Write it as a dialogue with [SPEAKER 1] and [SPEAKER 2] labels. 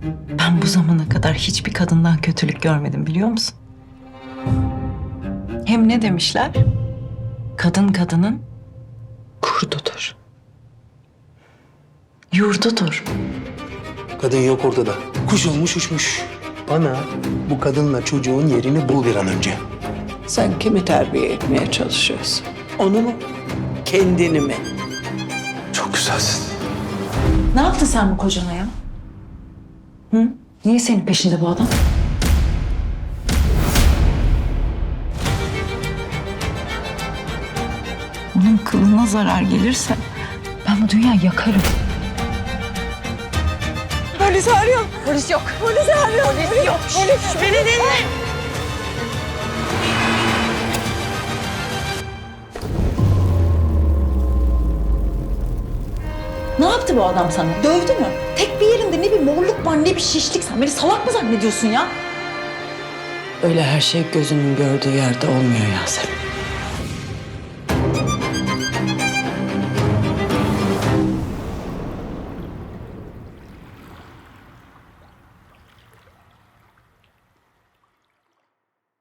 [SPEAKER 1] Ben bu zamana kadar hiçbir kadından kötülük görmedim biliyor musun? Hem ne demişler? Kadın kadının kurdudur. Yurdudur.
[SPEAKER 2] Kadın yok ortada. Kuş olmuş uçmuş. Bana bu kadınla çocuğun yerini bul bir an önce.
[SPEAKER 3] Sen kimi terbiye etmeye çalışıyorsun? Onu mu? Kendini mi?
[SPEAKER 2] Çok güzelsin.
[SPEAKER 1] Ne yaptın sen bu kocana ya? Hı? Niye senin peşinde bu adam? Onun kılına zarar gelirse ben bu dünyayı yakarım.
[SPEAKER 4] Polis arıyorum. Polis yok. Polis arıyorum. Polis yok. Polis. Beni dinle.
[SPEAKER 1] Ne yaptı bu adam sana? Dövdü mü? Tek bir yerinde ne bir morluk var ne bir şişlik. Sen beni salak mı zannediyorsun ya?
[SPEAKER 3] Öyle her şey gözünün gördüğü yerde olmuyor Yasemin.